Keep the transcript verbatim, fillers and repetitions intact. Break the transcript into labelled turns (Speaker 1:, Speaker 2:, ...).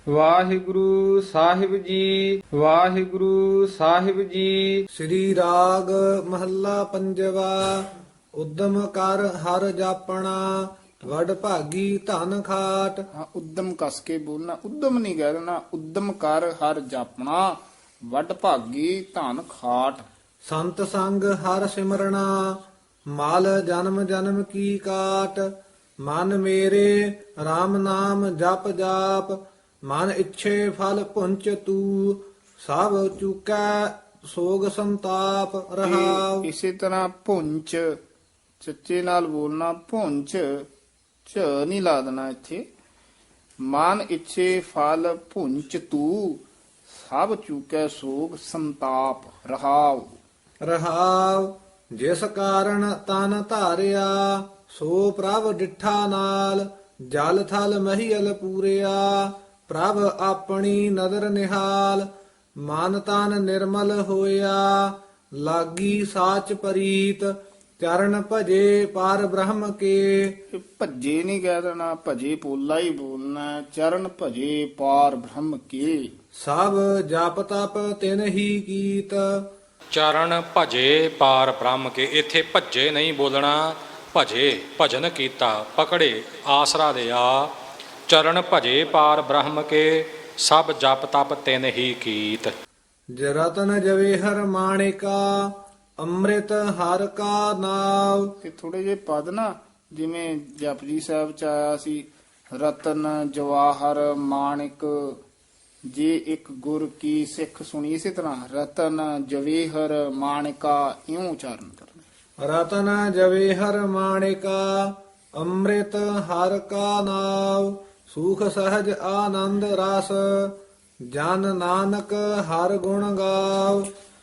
Speaker 1: ਵਾਹਿਗੁਰੂ ਸਾਹਿਬ ਜੀ, ਵਾਹਿਗੁਰੂ ਸਾਹਿਬ ਜੀ।
Speaker 2: ਸ੍ਰੀ ਰਾਗ ਮਹੱਲਾ ਪੰਜਵਾ। ਉਦਮ ਕਰ ਹਰ ਜਾਪਣਾ, ਵਡ ਭਾਗੀ ਧਨ ਖਾਟ।
Speaker 3: ਹਾਂ, ਉਦਮ ਕਸ ਕੇ ਬੋਲਣਾ, ਉਦਮ ਨਹੀਂ ਕਹਿ ਦੇਣਾ। ਉਦਮ ਕਰ ਹਰ ਜਾਪਣਾ, ਵੱਡ ਭਾਗੀ ਧਨ ਖਾਟ।
Speaker 2: ਸੰਤ ਸੰਗ ਹਰ ਸਿਮਰਣਾ, ਮਾਲ ਜਨਮ ਜਨਮ ਕੀ ਕਾਟ। ਮਨ ਮੇਰੇ RAM ਨਾਮ ਜਪ ਜਾਪ, ਮਨ ਇੱਛੇ ਫਲ ਪੁੰਚ ਤੂ। ਸਭ ਚੁਕੈ ਸੋਗ ਸੰਤਾਪ ਰਹਾਉ।
Speaker 3: ਇਹ ਇਸੇ ਤਰ੍ਹਾਂ ਭੁੰਚ ਚੱਚੇ ਨਾਲ ਬੋਲਣਾ, ਭੁੰਚ ਚ ਨਹੀਂ ਲਾ ਦੇਣਾ ਇੱਥੇ। ਮਨ ਇੱਛੇ ਫਲ ਭੁੰਚ ਤੂ, ਸਭ ਚੁਕੈ ਸੋਗ ਸੰਤਾਪ ਰਹਾਉ।
Speaker 2: ਰਹਾਉ ਜਿਸ ਕਾਰਨ ਤਨ ਧਾਰਿਆ, ਸੋ ਪ੍ਰਭ ਡਿਠਾ ਨਾਲ। ਜਲ ਥਲ ਮਹੀਲ ਪੂਰਿਆ, ਪ੍ਰਭ ਆਪਣੀ ਨਦਰ ਨਿਹਾਲ। ਮਨ ਤਨ ਨਿਰਮਲ ਹੋਇਆ, ਲਾਗੀ ਸਾਚ ਪਰੀਤ। ਚਰਨ ਭਜੇ ਪਾਰ ਬ੍ਰਹਮ ਕੇ।
Speaker 3: ਇਹ ਭੱਜੇ ਨਹੀਂ ਕਹਿ ਦੇਣਾ, ਭਜੇ ਪੋਲਾ ਹੀ ਬੋਲਣਾ। ਚਰਨ ਭਜੇ ਪਾਰ ਬ੍ਰਹਮ ਕੀ।
Speaker 2: ਸਭ ਜਪ ਤਪ ਤਿਨ ਹੀ ਕੀਤ।
Speaker 4: ਚਰਨ ਭਜੇ ਪਾਰ ਬ੍ਰਹਮ ਕੇ। ਇੱਥੇ ਭੱਜੇ ਨਹੀਂ ਬੋਲਣਾ, ਭਜੇ ਭਜਨ ਕੀਤਾ, ਪਕੜੇ ਆਸਰਾ ਦਿਆ। ਚਰਨ ਭਜੇ ਪਾਰ ਬ੍ਰਹਮ ਕੇ, ਸਭ ਜਪ ਤਪ ਤਿਨ ਹੀ ਕੀਤ।
Speaker 2: ਜਰਤਨ ਜਵੇਹਰ ਮਾਣਿਕਾ, ਅੰਮ੍ਰਿਤ ਹਰ ਕਾ ਨਾਮ।
Speaker 3: ਤੇ ਥੋੜੇ ਜਿਹੇ ਪਦ ਨਾ, ਜਿਵੇਂ ਜਪਜੀ ਸਾਹਿਬ ਚ ਆਇਆ ਸੀ, ਰਤਨ ਜਵਾਹਰ ਮਾਣਿਕ। ਜੇ ਇੱਕ ਗੁਰ ਕੀ ਸਿੱਖ ਸੁਣੀ, ਇਸੇ ਤਰ੍ਹਾਂ ਰਤਨ ਜਵੇਹਰ ਮਾਣਿਕਾ ਇਉਂ ਉਚਾਰਨ ਕਰਨਾ।
Speaker 2: ਰਤਨ ਜਵੇਹਰ ਮਾਣਿਕਾ, ਅੰਮ੍ਰਿਤ ਹਰ ਕਾ ਨਾਮ। ਸੁਖ ਸਹਜ ਆਨੰਦ ਰਸ, ਜਨ ਨਾਨਕ ਹਰ ਗੁਣ ਗਾਵ।